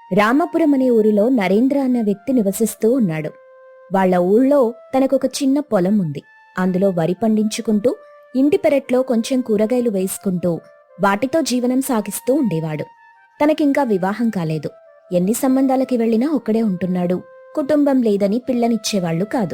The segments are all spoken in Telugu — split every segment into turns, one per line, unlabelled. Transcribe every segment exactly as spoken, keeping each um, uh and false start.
రామాపురం అనే ఊరిలో నరేంద్ర అన్న వ్యక్తి నివసిస్తూ ఉన్నాడు. వాళ్ళ ఊళ్ళో తనకొక చిన్న పొలం ఉంది. అందులో వరి పండించుకుంటూ ఇంటి పెరట్లో కొంచెం కూరగాయలు వేసుకుంటూ వాటితో జీవనం సాగిస్తూ ఉండేవాడు. తనకింకా వివాహం కాలేదు. ఎన్ని సంబంధాలకి వెళ్లినా ఒక్కడే ఉంటున్నాడు. కుటుంబం లేదని పిల్లనిచ్చేవాళ్లు కాదు.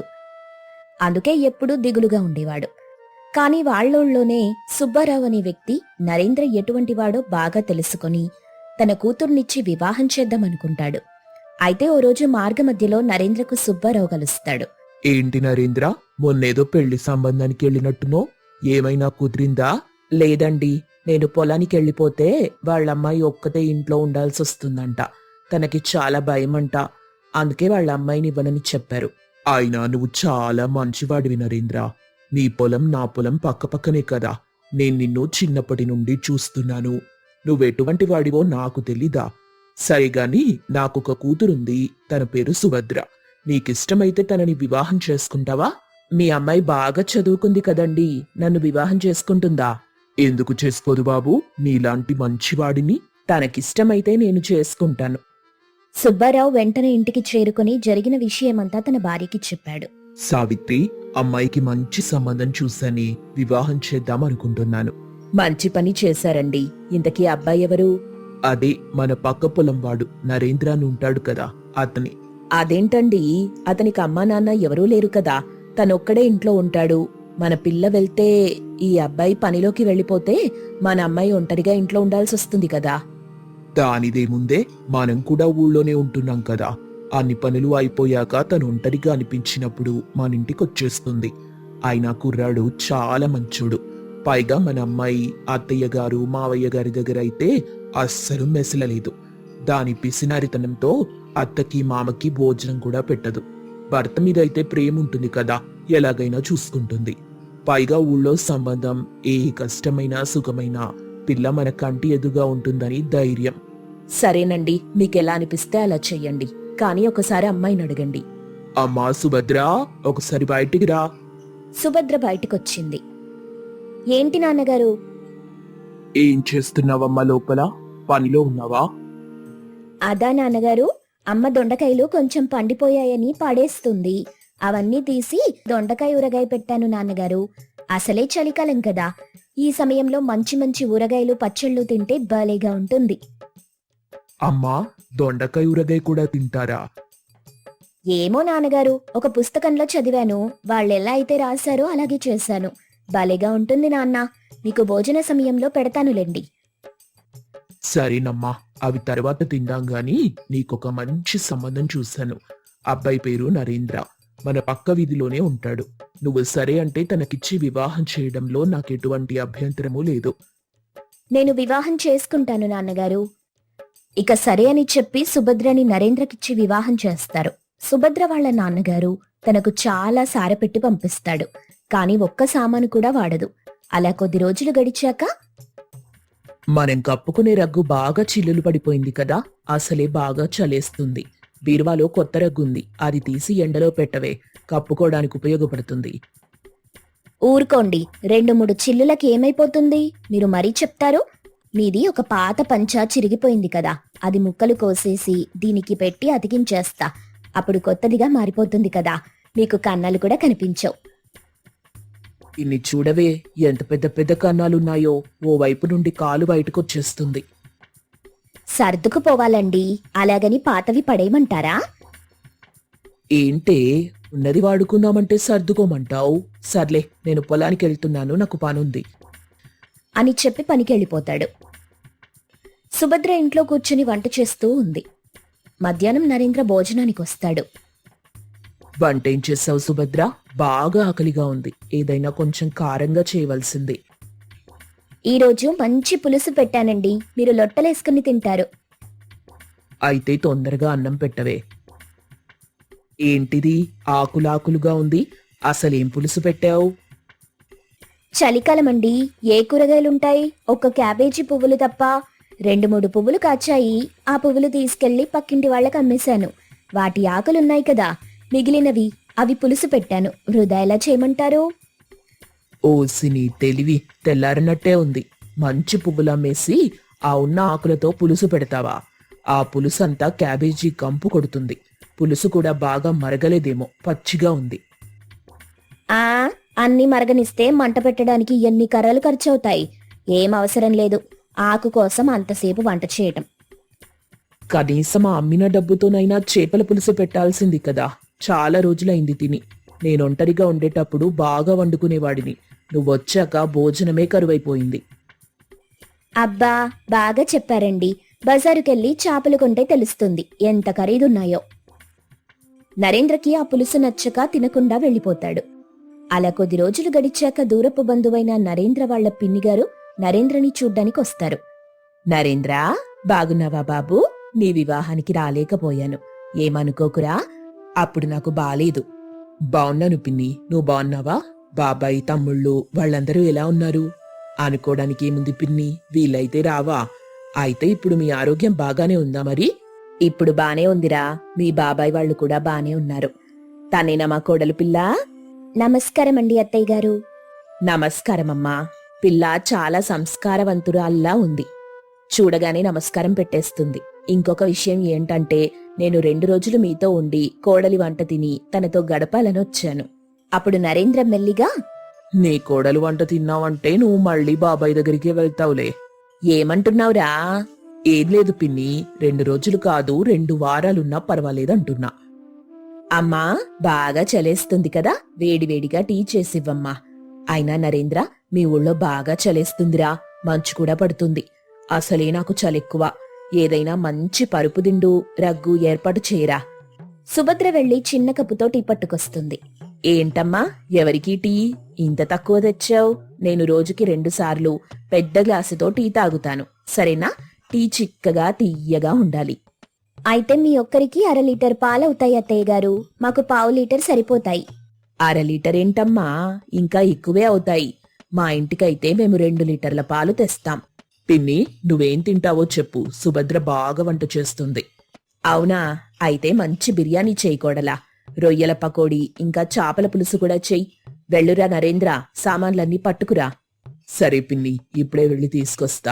అందుకే ఎప్పుడూ దిగులుగా ఉండేవాడు. కాని వాళ్ళోళ్లోనే సుబ్బారావు అనే వ్యక్తి నరేంద్ర ఎటువంటివాడో బాగా తెలుసుకుని తన కూతుర్నిచ్చి వివాహం చేద్దామనుకుంటాడు. అయితే ఓ రోజు మార్గమధ్యలో నరేంద్రకు సుబ్బారావు కలుస్తాడు.
ఏంటి నరేంద్ర, మొన్నేదో పెళ్లి సంబంధానికి వెళ్ళినట్టునో, ఏమైనా కుదిరిందా? లేదండి, నేను పొలానికి వెళ్ళిపోతే వాళ్ళమ్మాయి ఒక్కతే ఇంట్లో ఉండాల్సి వస్తుందంట. తనకి చాలా భయమంట. అందుకే వాళ్ళ అమ్మాయిని ఇవ్వనని చెప్పారు. అయినా నువ్వు చాలా మంచివాడివి నరేంద్ర. నీ పొలం నా పొలం పక్కపక్కనే కదా. నేను నిన్ను చిన్నప్పటి నుండి చూస్తున్నాను. నువ్వెటువంటి వాడివో నాకు తెలీదా? సరిగాని నాకొక కూతురుంది. తన పేరు సుభద్ర. నీకిష్టమైతే తనని వివాహం చేసుకుంటావా? మీ అమ్మాయి బాగా చదువుకుంది కదండి, నన్ను వివాహం చేసుకుంటుందా? ఎందుకు చేసుకోదు బాబు? నీలాంటి మంచివాడిని తనకిష్టమైతే నేను చేసుకుంటాను.
సుబ్బారావు వెంటనే ఇంటికి చేరుకుని జరిగిన విషయమంతా తన భార్యకి చెప్పాడు.
సావిత్రి, అమ్మాయికి మంచి సంబంధం చూసని వివాహం చేద్దామనుకుంటున్నాను.
మంచి పని చేశారండి. ఇంతకీ అబ్బాయి ఎవరు?
అదే మన పక్క పొలం వాడు నరేంద్ర అని ఉంటాడు కదా, అతని.
అదేంటండి, అతనికి అమ్మా నాన్న ఎవరూ లేరు కదా, తనొక్కడే ఇంట్లో ఉంటాడు. మన పిల్ల వెళ్తే ఈ అబ్బాయి పనిలోకి వెళ్ళిపోతే మన అమ్మాయి ఒంటరిగా ఇంట్లో ఉండాల్సి వస్తుంది కదా.
దానిదేముందే, మనం కూడా ఊళ్ళోనే ఉంటున్నాం కదా. అన్ని పనులు అయిపోయాక తను ఒంటరిగా అనిపించినప్పుడు మన ఇంటికి వచ్చేస్తుంది. అయినా కుర్రాడు చాలా మంచోడు. పైగా మన అమ్మాయి అత్తయ్య గారు మావయ్య గారి దగ్గర అయితే అస్సలు మెసలలేదు. దాని పిసినారితనంతో అత్తకి మామకి భోజనం కూడా పెట్టదు. భర్త మీద అయితే ప్రేమ ఉంటుంది కదా, ఎలాగైనా చూసుకుంటుంది. పైగా ఊళ్ళో సంబంధం ఏ కష్టమైనా సుఖమైనా పిల్ల మన కంటి ఎదుగా ఉంటుందని ధైర్యం.
సరేనండి, మీకెలా అనిపిస్తే అలా చెయ్యండి. కానీ ఒకసారి అమ్మాయిని అడగండి.
అమ్మా సుభద్ర, ఒకసారి బయటికి రా.
సుభద్ర బయటకొచ్చింది. ఏంటి నాన్నగారు?
ఏం చేస్తున్నావమ్మా లోపల? పనిలో ఉన్నావా?
అదా నాన్నగారు, అమ్మ దొండకాయలు కొంచెం పండిపోయాయని పాడేస్తుంది. అవన్నీ తీసి దొండకాయ ఊరగాయ పెట్టాను నాన్నగారు. అసలే చలికాలం కదా, ఈ సమయంలో మంచి మంచి ఊరగాయలు పచ్చళ్ళు తింటే భలేగా ఉంటుంది.
అమ్మా, దొండకాయ ఊరగాయ కూడా తింటారా?
ఏమో నాన్నగారు, ఒక పుస్తకంలో చదివాను. వాళ్ళెలా అయితే రాశారో అలాగే చేశాను. భలేగా ఉంటుంది నాన్న. మీకు భోజన సమయంలో పెడతానులేండి.
సరేనమ్మా, అవి తర్వాత తిందాం గాని నీకొక మంచి సంబంధం చూశాను. అబ్బాయి పేరు నరేంద్ర. మన పక్క వీధిలోనే ఉంటాడు. నువ్వు సరే అంటే తనకిచ్చి వివాహం చేయడంలో నాకెటువంటి అభ్యంతరమూ లేదు.
నేను వివాహం చేసుకుంటాను నాన్నగారు. ఇక సరే అని చెప్పి సుభద్రని నరేంద్రకిచ్చి వివాహం చేస్తారు. సుభద్ర వాళ్ల నాన్నగారు తనకు చాలా సారపెట్టి పంపిస్తాడు. కాని ఒక్క సామాను కూడా వాడదు. అలా కొద్ది రోజులు గడిచాక,
మనం కప్పుకునే రగ్గు బాగా చిల్లులు పడిపోయింది కదా, అసలే బాగా చలేస్తుంది. బీరువాలో కొత్త రగ్గుంది, అది తీసి ఎండలో పెట్టవే, కప్పుకోవడానికి ఉపయోగపడుతుంది.
ఊరుకోండి, రెండు మూడు చిల్లులకి ఏమైపోతుంది? మీరు మరీ చెప్తారు. మీది ఒక పాత పంచా చిరిగిపోయింది కదా, అది ముక్కలు కోసేసి దీనికి పెట్టి అతికించేస్తా. అప్పుడు కొత్తదిగా మారిపోతుంది కదా, మీకు కన్నాలు కూడా కనిపించవు.
ఇన్ని చూడవే, ఎంత పెద్ద పెద్ద కన్నాలున్నాయో. ఓ వైపు నుండి కాలు బయటకొచ్చేస్తుంది.
సర్దుకుపోవాలండి, అలాగని పాతవి పడేయమంటారా?
ఏంటే, ఉన్నది వాడుకుందామంటే సర్దుకోమంటావు? సర్లే, నేను పొలానికి వెళ్తున్నాను, నాకు పనుంది
అని చెప్పి పనికెళ్ళిపోతాడు. సుభద్ర ఇంట్లో కూర్చుని వంట చేస్తూ ఉంది. మధ్యాహ్నం నరేంద్ర భోజనానికి వస్తాడు.
వంటేం చేసావు సుభద్ర? బాగా ఆకలిగా ఉంది, ఏదైనా కొంచెం కారంగా చేయవలసింది.
ఈరోజు మంచి పులుసు పెట్టానండి, మీరు లొట్టలేసుకుని తింటారు.
అయితే తొందరగా అన్నం పెట్టవే. ఏంటిది ఆకులాకులుగా ఉంది? అసలేం పులుసు పెట్టావు?
చలికాలమండి, ఏ కూరగాయలుంటాయి? ఒక్క క్యాబేజీ పువ్వులు తప్ప. రెండు మూడు పువ్వులు కాచాయి. ఆ పువ్వులు తీసుకెళ్లి పక్కింటి వాళ్ళకి అమ్మేశాను. వాటి ఆకులున్నాయి కదా, మిగిలినవి అవి పులుసు పెట్టాను. వృధా ఎలా చేయమంటారు?
ఓసిని తెలివి తెల్లారినట్టే ఉంది. మంచి పువ్వులమ్మేసి ఆ ఉన్న ఆకులతో పులుసు పెడతావా? ఆ పులుసంతా క్యాబేజీ కంపు కొడుతుంది. పులుసు కూడా బాగా మరగలేదేమో, పచ్చిగా ఉంది.
ఆ అన్ని మరగనిస్తే మంట పెట్టడానికి ఎన్ని కర్రలు ఖర్చవుతాయి. ఏం అవసరం లేదు ఆకు కోసం అంతసేపు వంట చేయటం.
కనీసం ఆ అమ్మిన డబ్బుతోనైనా చేపల పులుసు పెట్టాల్సింది కదా. చాలా రోజులైంది తిని. నేనొంటరిగా ఉండేటప్పుడు బాగా వండుకునేవాడిని. నువ్వొచ్చాక భోజనమే కరువైపోయింది.
అబ్బా బాగా చెప్పారండి. బజారుకెళ్ళి చేపలు కొంటే తెలుస్తుంది ఎంత ఖరీదున్నాయో. నరేంద్రకి ఆ పులుసు నచ్చక తినకుండా వెళ్ళిపోతాడు. అలా కొద్ది రోజులు గడిచాక దూరపు బంధువైన నరేంద్ర వాళ్ల పిన్నిగారు నరేంద్రని చూడ్డానికి వస్తారు. నరేంద్ర, బాగున్నావా బాబూ? నీ వివాహానికి రాలేకపోయాను, ఏమనుకోకురా. అప్పుడు నాకు బాలేదు.
బావున్నాను పిన్ని, నువ్వు బావున్నావా? బాబాయ్, తమ్ముళ్ళు వాళ్ళందరూ ఎలా ఉన్నారు? అనుకోవడానికి ఏముంది పిన్ని, వీలైతే రావా? అయితే ఇప్పుడు మీ ఆరోగ్యం బాగానే ఉందా మరి?
ఇప్పుడు బానే ఉందిరా. మీ బాబాయ్ వాళ్ళు కూడా బానే ఉన్నారు. తనేనా మా కోడలు పిల్ల? నమస్కారమండి అత్తయ్య గారు. నమస్కారమమ్మా. పిల్ల చాలా సంస్కారవంతురాల్లా ఉంది. చూడగానే నమస్కారం పెట్టేస్తుంది. ఇంకొక విషయం ఏంటంటే, నేను రెండు రోజులు మీతో ఉండి కోడలి వంట తిని తనతో గడపాలనొచ్చాను. అప్పుడు నరేంద్ర మెల్లిగా,
నీ కోడలు వంట తిన్నావంటే నువ్వు మళ్ళీ బాబాయ్ దగ్గరికి వెళ్తావులే.
ఏమంటున్నావురా?
ఏం లేదు పిన్ని, రెండు రోజులు కాదు రెండు వారాలున్నా పర్వాలేదంటున్నా.
అమ్మా బాగా చలేస్తుంది కదా, వేడివేడిగా టీ చేసివ్వమ్మా. అయినా నరేంద్ర, మీ ఊళ్ళో బాగా చలేస్తుందిరా. మంచు కూడా పడుతుంది. అసలే నాకు చలెక్కువ. ఏదైనా మంచి పరుపు దిండు, రగ్గు ఏర్పాటు చేయరా. సుభద్ర వెళ్లి చిన్న కప్పుతో టీ పట్టుకొస్తుంది. ఏంటమ్మా, ఎవరికీ టీ ఇంత తక్కువ తెచ్చావు? నేను రోజుకి రెండు సార్లు పెద్ద గ్లాసుతో టీ తాగుతాను, సరేనా? టీ చిక్కగా తీయగా ఉండాలి. అయితే మీ ఒక్కరికి అర లీటర్ పాలవుతాయి అత్తయ్య గారు. మాకు పావు లీటర్ సరిపోతాయి. అర లీటర్ ఏంటమ్మా, ఇంకా ఎక్కువే అవుతాయి. మా ఇంటికైతే మేము రెండు లీటర్ల పాలు తెస్తాం.
పిన్ని, నువ్వేం తింటావో చెప్పు, సుభద్ర బాగా వంట చేస్తుంది.
అవునా? అయితే మంచి బిర్యానీ చేయకూడలా. రొయ్యల పకోడీ ఇంకా చాపల పులుసు కూడా చెయ్యి. వెళ్ళురా నరేంద్ర, సామాన్లన్నీ పట్టుకురా.
సరే పిన్ని, ఇప్పుడే వెళ్ళి తీసుకొస్తా.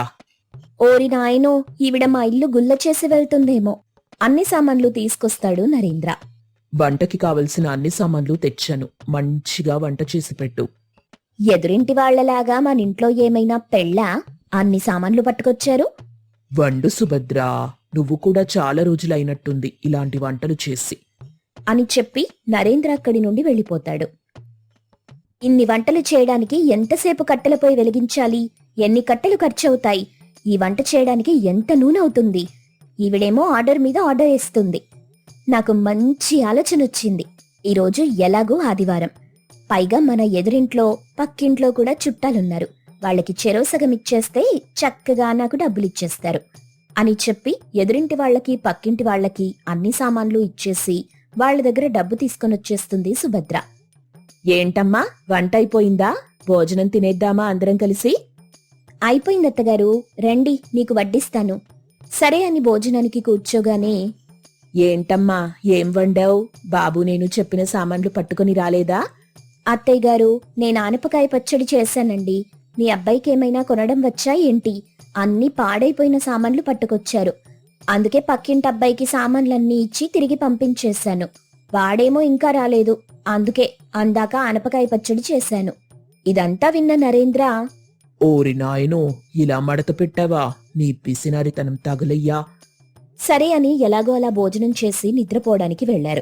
ఓరి నాయనో, ఈవిడ మా ఇల్లు గుల్ల చేసి వెళ్తుందేమో. అన్ని సామాన్లు తీసుకొస్తాడు నరేంద్ర.
వంటకి కావలసిన అన్ని సామాన్లు తెచ్చాను, మంచిగా వంట చేసి పెట్టు.
ఎదురింటి వాళ్లలాగా మనింట్లో ఏమైనా పెళ్ళా? అన్ని సామాన్లు పట్టుకొచ్చారు.
వండు సుభద్రా, నువ్వు కూడా చాలా రోజులైనట్టుంది ఇలాంటి వంటలు చేసి
అని చెప్పి నరేంద్ర అక్కడి నుండి వెళ్ళిపోతాడు. ఇన్ని వంటలు చేయడానికి ఎంతసేపు కట్టెలపై వెలిగించాలి? ఎన్ని కట్టెలు ఖర్చవుతాయి? ఈ వంట చేయడానికి ఎంత నూనె అవుతుంది? ఈవిడేమో ఆర్డర్ మీద ఆర్డర్ వేస్తుంది. నాకు మంచి ఆలోచన వచ్చింది. ఈరోజు ఎలాగూ ఆదివారం, పైగా మన ఎదురింట్లో పక్కింట్లో కూడా చుట్టాలున్నారు. వాళ్ళకి చెరో సగం ఇచ్చేస్తే చక్కగా నాకు డబ్బులిచ్చేస్తారు అని చెప్పి ఎదురింటి వాళ్లకి పక్కింటి వాళ్లకి అన్ని సామాన్లు ఇచ్చేసి వాళ్ల దగ్గర డబ్బు తీసుకొనొచ్చేస్తుంది సుభద్ర. ఏంటమ్మా, వంట అయిపోయిందా? భోజనం తినేద్దామా అందరం కలిసి? అయిపోయిందత్తగారు, రండి నీకు వడ్డిస్తాను. సరే అని భోజనానికి కూర్చోగానే, ఏంటమ్మా ఏం వండావు? బాబు నేను చెప్పిన సామాన్లు పట్టుకుని రాలేదా? అత్తయ్య గారు, నేను ఆనపకాయ పచ్చడి చేశానండి. మీ అబ్బాయికి ఏమైనా కొనడం వచ్చా ఏంటి? అన్ని పాడైపోయిన సామాన్లు పట్టుకొచ్చారు. అందుకే పక్కింటి అబ్బాయికి సామాన్లన్నీ ఇచ్చి తిరిగి పంపించేశాను. వాడేమో ఇంకా రాలేదు, అందుకే అందాక ఆనపకాయ పచ్చడి చేశాను. ఇదంతా విన్న నరేంద్ర,
ఓరి నాయనో, ఇలా మడత పెట్టావా? నీ పిసినారితనం తగులయ్యా.
సరే అని ఎలాగో అలా భోజనం చేసి నిద్రపోవడానికి వెళ్లారు.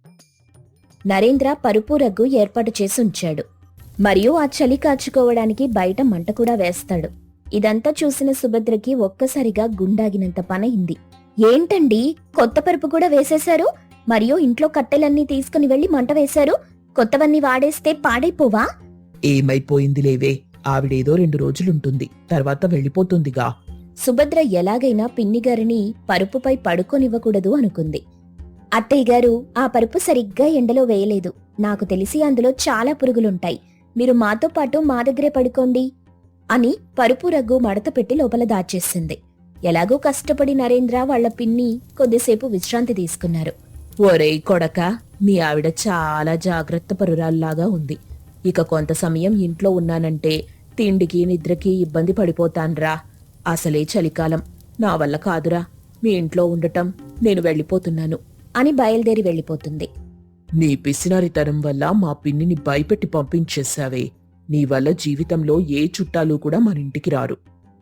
నరేంద్ర పరుపు రగ్గు ఏర్పాటు చేసి ఉంచాడు. మరియు ఆ చలి కాచుకోవడానికి బయట మంట కూడా వేస్తాడు. ఇదంతా చూసిన సుభద్రకి ఒక్కసారిగా గుండాగినంత పనయింది. ఏంటండి, కొత్త పరుపు కూడా వేసేశారు? మరియు ఇంట్లో కట్టెలన్నీ తీసుకుని వెళ్లి మంట వేశారు. కొత్తవన్నీ వాడేస్తే పాడైపోవా?
ఏమైపోయింది లేవే, ఆవిడేదో రెండు రోజులుంటుంది, తర్వాత వెళ్ళిపోతుందిగా.
సుభద్ర ఎలాగైనా పిన్నిగారిని పరుపుపై పడుకోనివ్వకూడదు అనుకుంది. అత్తయ్య గారు, ఆ పరుపు సరిగ్గా ఎండలో వేయలేదు. నాకు తెలిసి అందులో చాలా పురుగులుంటాయి. మీరు మాతో పాటు మా దగ్గరే పడుకోండి అని పరుపు రగ్గు మడత పెట్టి లోపల దాచేసింది. ఎలాగో కష్టపడి నరేంద్ర వాళ్ల పిన్ని కొద్దిసేపు విశ్రాంతి తీసుకున్నారు. ఒరేయ్ కొడక, మీ ఆవిడ చాలా జాగ్రత్త పరురాల్లాగా ఉంది. ఇక కొంత సమయం ఇంట్లో ఉన్నానంటే తిండికి నిద్రకి ఇబ్బంది పడిపోతాన్రా. అసలే చలికాలం, నా వల్ల కాదురా.
మీ ఇంట్లో ఉండటం. నేను వెళ్ళిపోతున్నాను
అని బయలుదేరి వెళ్ళిపోతుంది.
నీ పిసినారితనం వల్ల మా పిన్నిని భయపెట్టి పంపించేశావే. నీ వల్ల జీవితంలో ఏ చుట్టాలు కూడా మన ఇంటికి రారు.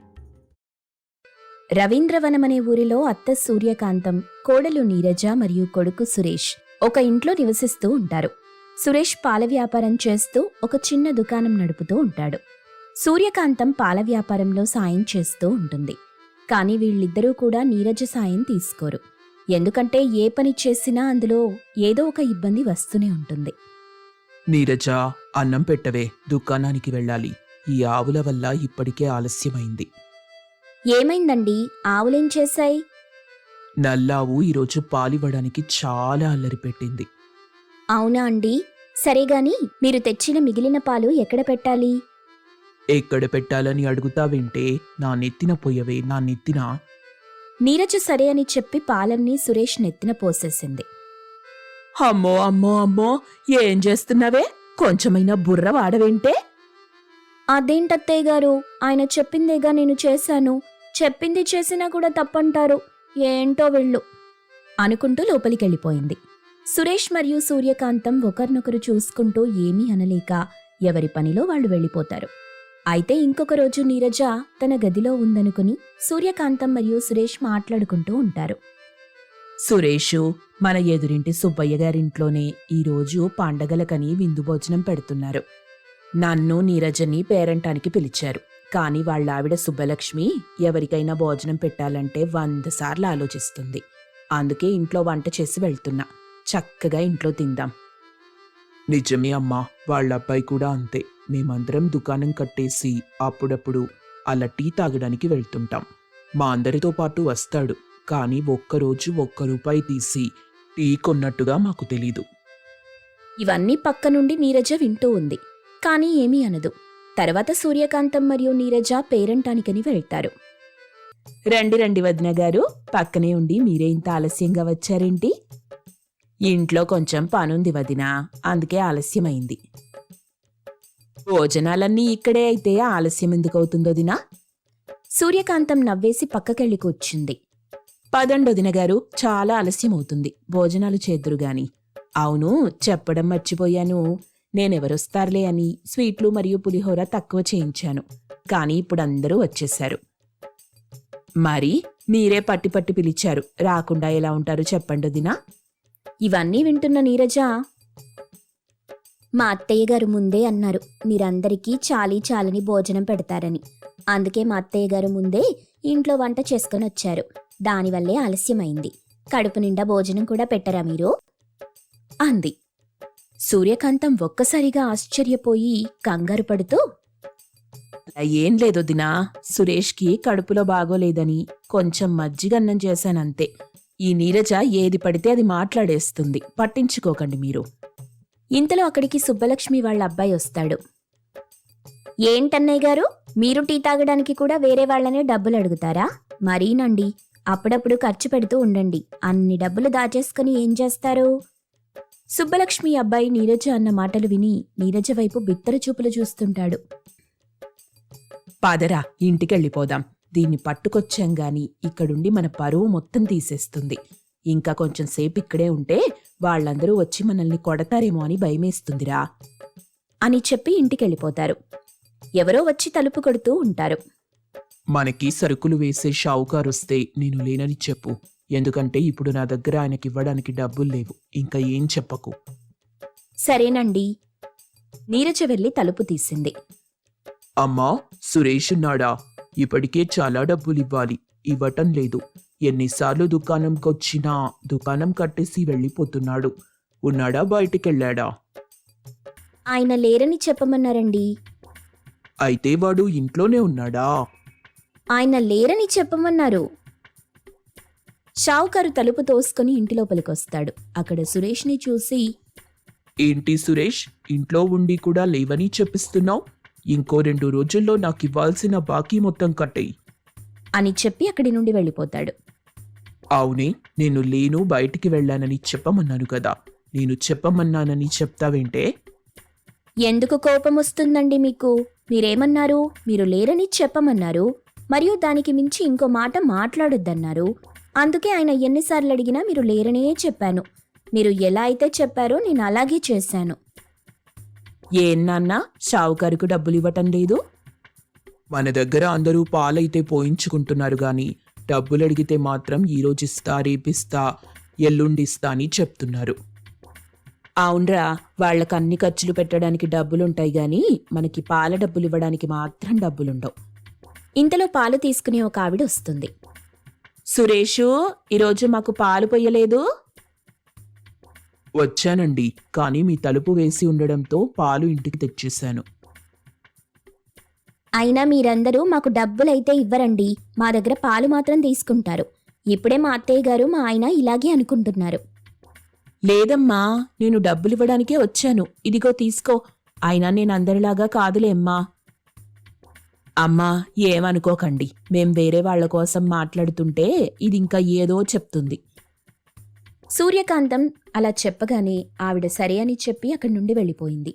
రవీంద్రవనమనే ఊరిలో అత్త సూర్యకాంతం, కోడలు నీరజ మరియు కొడుకు సురేష్ ఒక ఇంట్లో నివసిస్తూ ఉంటారు. సురేష్ పాల వ్యాపారం చేస్తూ ఒక చిన్న దుకాణం నడుపుతూ ఉంటాడు. సూర్యకాంతం పాల వ్యాపారంలో సాయం చేస్తూ ఉంటుంది. కాని వీళ్ళిద్దరూ కూడా నీరజ సాయం తీసుకోరు. ఎందుకంటే ఏ పని చేసినా అందులో ఏదో ఒక ఇబ్బంది వస్తూనే ఉంటుంది.
నీరజా, అన్నం పెట్టవే, దుకాణానికి వెళ్ళాలి. ఈ ఆవుల వల్ల ఇప్పటికే ఆలస్యమైంది.
ఏమైందండి? ఆవులేం చేశాయి?
నల్లావు ఈరోజు పాలివ్వడానికి చాలా అల్లరి పెట్టింది.
అవునా అండి? సరేగాని మీరు తెచ్చిన మిగిలిన పాలు ఎక్కడ పెట్టాలి?
ఎక్కడ పెట్టాలని అడుగుతావేంటే? నా నెత్తిన పోయవే, నా నెత్తిన.
నీరజ సరే అని చెప్పి పాలన్నీ సురేష్ నెత్తిన పోసేసింది.
అమ్మో అమ్మో అమ్మో, ఏం చేస్తున్నావే? కొంచెమైనా బుర్ర వాడవేంటే?
అదేంటత్తయ్య గారు, ఆయన చెప్పిందేగా నేను చేశాను. చెప్పింది చేసినా కూడా తప్పంటారు. ఏంటో వీళ్ళు అనుకుంటూ లోపలికెళ్ళిపోయింది. సురేష్ మరియు సూర్యకాంతం ఒకరినొకరు చూసుకుంటూ ఏమీ అనలేక ఎవరి పనిలో వాళ్ళు వెళ్ళిపోతారు. అయితే ఇంకొక రోజు నీరజ తన గదిలో ఉందనుకుని సూర్యకాంతం మరియు సురేష్ మాట్లాడుకుంటూ ఉంటారు.
సురేషు, మన ఎదురింటి సుబ్బయ్య గారింట్లోనే ఈరోజు పండగలకని విందు భోజనం పెడుతున్నారు. నన్ను నీరజని పేరంటానికి పిలిచారు. కాని వాళ్ళావిడ సుబ్బలక్ష్మి ఎవరికైనా భోజనం పెట్టాలంటే వంద సార్లు ఆలోచిస్తుంది. అందుకే ఇంట్లో వంట చేసి వెళ్తున్నా. చక్కగా ఇంట్లో తిందాం. నిజమే అమ్మా, వాళ్ళబ్బాయి కూడా అంతే. మేమందరం దుకాణం కట్టేసి అప్పుడప్పుడు అలా టీ తాగడానికి వెళ్తుంటాం. మా అందరితో పాటు వస్తాడు. కానీ ఒక్కరోజు ఒక్క రూపాయి తీసి టీ కొన్నట్టుగా మాకు తెలీదు.
ఇవన్నీ పక్క నుండి నీరజ వింటూ ఉంది. కానీ ఏమీ అనదు. తర్వాత సూర్యకాంతం మరియు నీరజ పేరంటానికని వెళ్తారు.
రండి రండి వదిన గారు, పక్కనే ఉండి మీరే ఇంత ఆలస్యంగా వచ్చారేంటి? ఇంట్లో కొంచెం పనుంది వదినా, అందుకే ఆలస్యమైంది. భోజనాలన్నీ ఇక్కడే అయితే ఆలస్యం ఎందుకవుతుందో దినా?
సూర్యకాంతం నవ్వేసి పక్కకెళ్ళి కూర్చుంది.
పదండొదిన గారు, చాలా ఆలస్యం అవుతుంది. భోజనాలు చేద్దురుగాని. అవును, చెప్పడం మర్చిపోయాను. నేనెవరొస్తారులే అని స్వీట్లు మరియు పులిహోర తక్కువ చేయించాను. కానీ ఇప్పుడు అందరూ వచ్చేశారు. మరి మీరే పట్టి పట్టి పిలిచారు, రాకుండా ఎలా ఉంటారు చెప్పండొదినా?
ఇవన్నీ వింటున్న నీరజ, మా అత్తయ్య గారు ముందే అన్నారు మీరందరికీ చాలీ చాలని భోజనం పెడతారని. అందుకే మా అత్తయ్య గారు ముందే ఇంట్లో వంట చేసుకుని వచ్చారు. దానివల్లే ఆలస్యమైంది. కడుపు నిండా భోజనం కూడా పెట్టరా మీరు? అంది. సూర్యకాంతం ఒక్కసారిగా ఆశ్చర్యపోయి కంగారు పడుతూ,
ఏం లేదు దినా, సురేష్కి కడుపులో బాగోలేదని కొంచెం మజ్జిగన్నం చేశానంతే. ఈ నీరజ ఏది పడితే అది మాట్లాడేస్తుంది, పట్టించుకోకండి మీరు.
ఇంతలో అక్కడికి సుబ్బలక్ష్మి వాళ్ళ అబ్బాయి వస్తాడు. ఏంటన్నయ్య గారు, మీరు టీ తాగడానికి కూడా వేరే వాళ్లనే డబ్బులు అడుగుతారా? మరీనండి, అప్పుడప్పుడు ఖర్చు పెడుతూ ఉండండి. అన్ని డబ్బులు దాచేసుకుని ఏం చేస్తారు? సుబ్బలక్ష్మి అబ్బాయి నీరజ అన్న మాటలు విని నీరజ వైపు బిత్తర చూపులు చూస్తుంటాడు.
పాదరా, ఇంటికెళ్ళిపోదాం. దీన్ని పట్టుకొచ్చాం గాని ఇక్కడుండి మన పరువు మొత్తం తీసేస్తుంది. ఇంకా కొంచెం సేపు ఇక్కడే ఉంటే వాళ్ళందరూ వచ్చి మనల్ని కొడతారేమో అని భయమేస్తుందిరా
అని చెప్పి ఇంటికెళ్ళిపోతారు. ఎవరో వచ్చి తలుపు కొడుతూ ఉంటారు.
మనకి సరుకులు వేసే షావుకారొస్తే నేను లేనని చెప్పు. ఎందుకంటే ఇప్పుడు నా దగ్గర ఆయనకివ్వడానికి డబ్బులు లేవు. ఇంకా ఏం చెప్పకు.
సరేనండి. నీరజ వెళ్ళి తలుపు తీసింది.
అమ్మా, సురేష్ ఉన్నాడా? ఇప్పటికే చాలా డబ్బులివ్వాలి, ఇవ్వటం లేదు. ఎన్నిసార్లు దుకాణంకొచ్చినా దుకాణం కట్టేసి వెళ్ళిపోతున్నాడు. ఉన్నాడా, బయటికెళ్ళాడా?
ఆయన లేరని చెప్పమన్నారండి.
అయితే వాడు ఇంట్లోనే ఉన్నాడా?
ఆయన లేరని చెప్పమన్నారు. షావుకారు తలుపు తోసుకుని ఇంటి లోపలికొస్తాడు. అక్కడ సురేష్ని చూసి,
ఏంటి సురేష్, ఇంట్లో ఉండి కూడా లేవని చెప్పిస్తున్నావు? ఇంకో రెండు రోజుల్లో నాకివ్వాల్సిన బాకీ మొత్తం కట్టేయి
అని చెప్పి అక్కడి నుండి వెళ్ళిపోతాడు.
అవునే, నేను లేను, బయటికి వెళ్ళానని చెప్పమన్నాను కదా. నేను చెప్పమన్నానని చెప్తావేంటే?
ఎందుకు కోపం వస్తుందండి మీకు? మీరేమన్నారు? మీరు లేరని చెప్పమన్నారు, మరియు దానికి మించి ఇంకో మాట మాట్లాడొద్దన్నారు. అందుకే ఆయన ఎన్నిసార్లు అడిగినా మీరు లేరనే చెప్పాను. మీరు ఎలా అయితే చెప్పారో నేను అలాగే చేశాను.
ఏం నాన్నా షావుకారుకు డబ్బులు ఇవ్వటం లేదు? మన దగ్గర అందరూ పాలైతే పోయించుకుంటున్నారు గాని డబ్బులు అడిగితే మాత్రం ఈరోజు ఇస్తా రేపిస్తా ఎల్లుండిస్తా అని చెప్తున్నారు. అవునరా, వాళ్ళకి అన్ని ఖర్చులు పెట్టడానికి డబ్బులుంటాయి గాని మనకి పాల డబ్బులు ఇవ్వడానికి మాత్రం డబ్బులుండవు.
ఇంతలో పాలు తీసుకునే ఒక ఆవిడ వస్తుంది.
సురేషు, ఈరోజు మాకు పాలు పొయ్యలేదు? వచ్చానండి, కానీ మీ తలుపు వేసి ఉండడంతో పాలు ఇంటికి తెచ్చేశాను.
అయినా మీరందరూ మాకు డబ్బులైతే ఇవ్వరండి, మా దగ్గర పాలు మాత్రం తీసుకుంటారు. ఇప్పుడే మా అత్తయ్య గారు మా ఆయన ఇలాగే అనుకుంటున్నారు.
లేదమ్మా, నేను డబ్బులివ్వడానికే వచ్చాను. ఇదిగో తీసుకో. అయినా నేను అందరిలాగా కాదులే అమ్మా. అమ్మా, ఏమనుకోకండి, మేం వేరే వాళ్ల కోసం మాట్లాడుతుంటే ఇది ఇంకా ఏదో చెప్తుంది.
సూర్యకాంతం అలా చెప్పగానే ఆవిడ సరే అని చెప్పి అక్కడి నుండి వెళ్ళిపోయింది.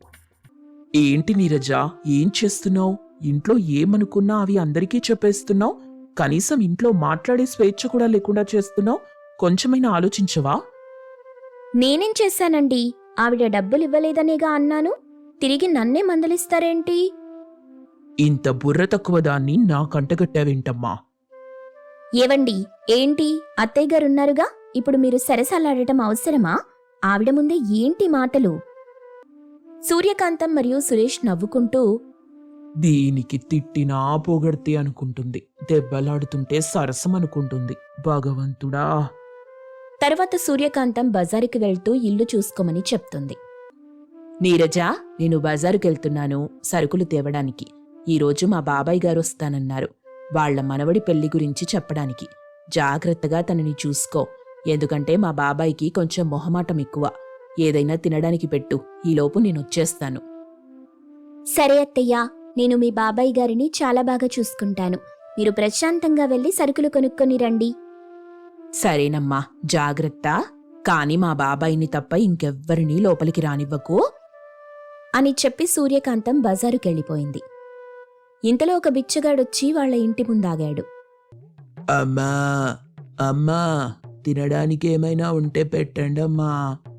ఏంటి నీరజ, ఏం చేస్తున్నావు? ఇంట్లో ఏమనుకున్నా అవి అందరికీ చెప్పేస్తున్నావు. కనీసం ఇంట్లో మాట్లాడే స్వేచ్ఛ కూడా లేకుండా చేస్తున్నావు. కొంచెమైనా ఆలోచించవా?
నేనేం చేశానండి? ఆవిడ డబ్బులు ఇవ్వలేదనేగా అన్నాను. తిరిగి నన్నే మందలిస్తారేంటి?
ఇంత బుర్ర తక్కువ దాన్ని నా కంటగట్టావేంటమ్మా?
ఏవండి, ఏంటి? అత్తయ్య గారున్నారుగా, ఇప్పుడు మీరు సరసాలాడటం అవసరమా? ఆవిడ ముందే ఏంటి మాటలు? సూర్యకాంతం మరియు సురేష్ నవ్వుకుంటూ,
దీనికి తిట్టినా పొగడితే అనుకుంటుంది, దెబ్బలాడుతుంటే సరసం అనుకుంటుంది. భగవంతుడా!
తర్వాత సూర్యకాంతం బజారుకి వెళ్తూ ఇల్లు చూసుకోమని చెప్తుంది.
నీరజ, నేను బజారుకెళ్తున్నాను సరుకులు తేవడానికి. ఈరోజు మా బాబాయ్ గారు వస్తానన్నారు. వాళ్ల మనవడి పెళ్లి గురించి చెప్పడానికి. జాగ్రత్తగా తనని చూసుకో, ఎందుకంటే మా బాబాయికి కొంచెం మొహమాటం ఎక్కువ. ఏదైనా తినడానికి పెట్టు, ఈలోపు నేనొచ్చేస్తాను.
సరే అత్తయ్యా, నేను మీ బాబాయ్ గారిని చాలా బాగా చూసుకుంటాను. మీరు ప్రశాంతంగా వెళ్లి సరుకులు కొనుక్కొని రండి.
సరేనమ్మా, జాగ్రత్త. కాని మా బాబాయిని తప్ప ఇంకెవ్వరినీ లోపలికి రానివ్వకు
అని చెప్పి సూర్యకాంతం బజారుకెళ్ళిపోయింది. ఇంతలో ఒక బిచ్చగాడొచ్చి వాళ్ల ఇంటి ముందాగాడు.
అమ్మా అమ్మా, తినడానికి ఏమైనా ఉంటే పెట్టండమ్మా.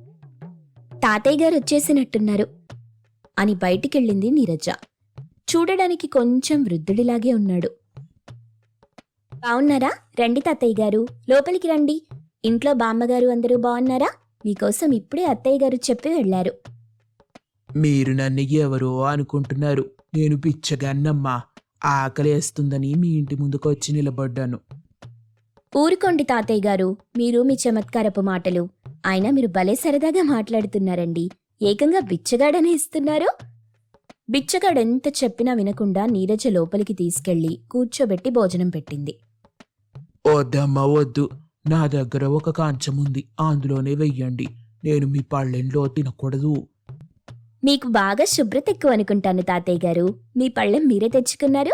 తాతయ్య గారు వచ్చేసినట్టున్నారు అని బయటికెళ్ళింది నీరజ. చూడడానికి కొంచెం వృద్ధుడిలాగే ఉన్నాడు. బావున్నారా? రండి తాతయ్య గారు, లోపలికి రండి. ఇంట్లో బామ్మగారు అందరూ బావున్నారా? మీకోసం ఇప్పుడే అత్తయ్య గారు చెప్పి వెళ్లారు.
మీరు నన్ను ఎవరో అనుకుంటున్నారు. నేను పిచ్చగాన్నమ్మా. ఆకలేస్తుందని మీ ఇంటి ముందుకు వచ్చి నిలబడ్డాను.
ఊరుకోండి తాతయ్య గారు, మీరు మీ చమత్కారపు మాటలు. అయినా మీరు భలే సరదాగా మాట్లాడుతున్నారండి. ఏకంగా బిచ్చగాడనే ఇస్తున్నారు. బిచ్చగాడెంత చెప్పినా వినకుండా నీరజ లోపలికి తీసుకెళ్లి కూర్చోబెట్టి భోజనం పెట్టింది.
వద్దమ్మా వద్దు, నా దగ్గర ఒక కాంచముంది, అందులోనే వెయ్యండి. నేను మీ పళ్ళెంలో తినకూడదు.
మీకు బాగా శుభ్రత ఎక్కువ అనుకుంటాను తాతయ్య గారు. మీ పళ్ళెం మీరే తెచ్చుకున్నారు.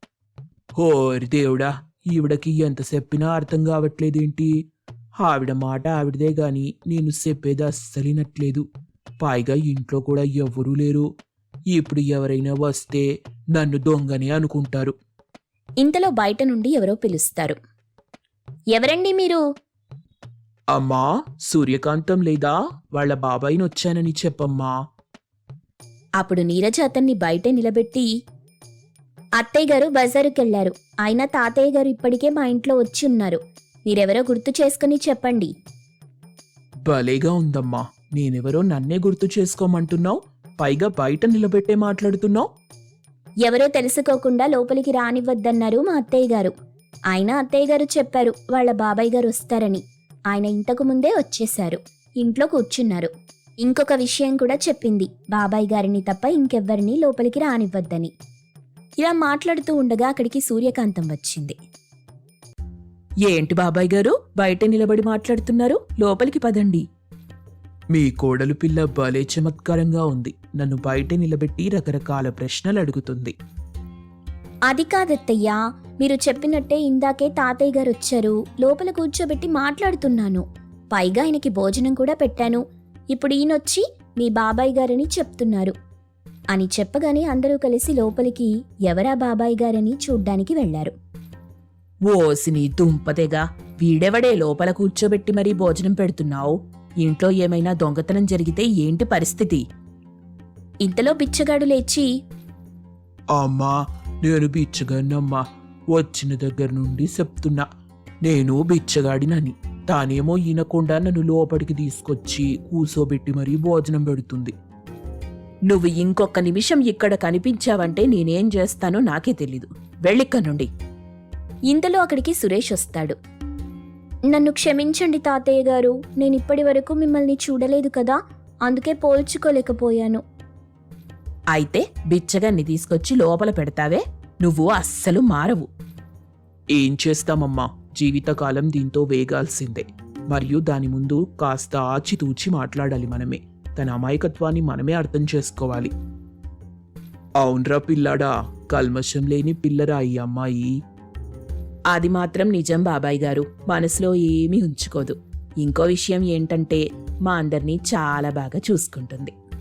ఓరి దేవుడా, ఈవిడకి ఎంత చెప్పినా అర్థం కావట్లేదేంటి? ఆవిడ మాట ఆవిడదే గాని నేను చెప్పేది అస్సలినట్లేదు. పైగా ఇంట్లో కూడా ఎవ్వరూ లేరు. ఇప్పుడు ఎవరైనా వస్తే నన్ను దొంగని అనుకుంటారు.
ఇంతలో బయట నుండి ఎవరో పిలుస్తారు. ఎవరండి మీరు?
అమ్మా, సూర్యకాంతం లేదా? వాళ్ళ బాబాయిని వచ్చానని చెప్పమ్మా.
అప్పుడు నీరజ అతన్ని బయటే నిలబెట్టి, అత్తయ్య గారు బజారుకెళ్లారు. అయినా తాతయ్య గారు ఇప్పటికే మా ఇంట్లో వచ్చి ఉన్నారు. మీరెవరో గుర్తు చేసుకుని చెప్పండి.
భలేగా ఉందమ్మా, నేనెవరో నన్నే గుర్తు చేసుకోమంటున్నావు. పైగా బయట నిలబెట్టే మాట్లాడుతున్నావు.
ఎవరో తెలుసుకోకుండా లోపలికి రానివ్వద్దన్నారు మా అత్తయ్య గారు. అయినా అత్తయ్య గారు చెప్పారు వాళ్ల బాబాయ్ గారు వస్తారని. ఆయన ఇంతకు ముందే వచ్చేశారు, ఇంట్లో కూర్చున్నారు. ఇంకొక విషయం కూడా చెప్పింది, బాబాయ్ గారిని తప్ప ఇంకెవ్వరినీ లోపలికి రానివ్వద్దని. ఇలా మాట్లాడుతూ ఉండగా అక్కడికి సూర్యకాంతం వచ్చింది.
ఏంటి బాబాయ్ గారు బయట నిలబడి మాట్లాడుతున్నారు? లోపలికి పదండి. మీ కోడలు పిల్ల భలే చమత్కారంగా ఉంది. నన్ను బయట నిలబెట్టి రకరకాల ప్రశ్నలు అడుగుతుంది.
అది కాదత్తయ్యా, మీరు చెప్పినట్టే ఇందాకే తాతయ్య గారు వచ్చారు. లోపల కూర్చోబెట్టి మాట్లాడుతున్నాను. పైగా ఆయనకి భోజనం కూడా పెట్టాను. ఇప్పుడు ఈయనొచ్చి మీ బాబాయ్ గారని చెప్తున్నారు అని చెప్పగానే అందరూ కలిసి లోపలికి ఎవరా బాబాయ్ గారని చూడ్డానికి వెళ్లారు.
ఓసిని దుంపతేగా, వీడెవడే లోపల కూర్చోబెట్టి మరీ భోజనం పెడుతున్నావు? ఇంట్లో ఏమైనా దొంగతనం జరిగితే ఏంటి పరిస్థితి?
ఇంతలో బిచ్చగాడు లేచి,
అమ్మా, నేను బిచ్చగాడినమ్మా. వచ్చిన దగ్గర నుండి చెప్తున్నా, నేను బిచ్చగాడినని. తానేమో ఈనకుండా నన్ను లోపలికి తీసుకొచ్చి కూసోబెట్టి మరీ భోజనం పెడుతుంది. నువ్వు ఇంకొక నిమిషం ఇక్కడ కనిపించావంటే నేనేం చేస్తానో నాకే తెలీదు. వెళ్ళిక్క నుండి.
ఇంతలో అక్కడికి సురేష్ వస్తాడు. నన్ను క్షమించండి తాతయ్య గారు, నేను ఇప్పటి వరకు మిమ్మల్ని చూడలేదు కదా, అందుకే పోల్చుకోలేకపోయాను.
అయితే బిచ్చగాన్ని తీసుకొచ్చి లోపల పెడతావే? నువ్వు అస్సలు మారవు. ఏం చేస్తామమ్మా, జీవితకాలం దీంతో వేగాల్సిందే. మరియు దాని ముందు కాస్త ఆచితూచి మాట్లాడాలి మనమే. తన అమాయకత్వాన్ని మనమే అర్థం చేసుకోవాలి. అవునరా పిల్లాడా, కల్మషం లేని పిల్లరా ఈ అమ్మాయి. అది మాత్రం నిజం బాబాయ్ గారు, మనసులో ఏమీ ఉంచుకోదు. ఇంకో విషయం ఏంటంటే మా అందరినీ చాలా బాగా చూసుకుంటుంది.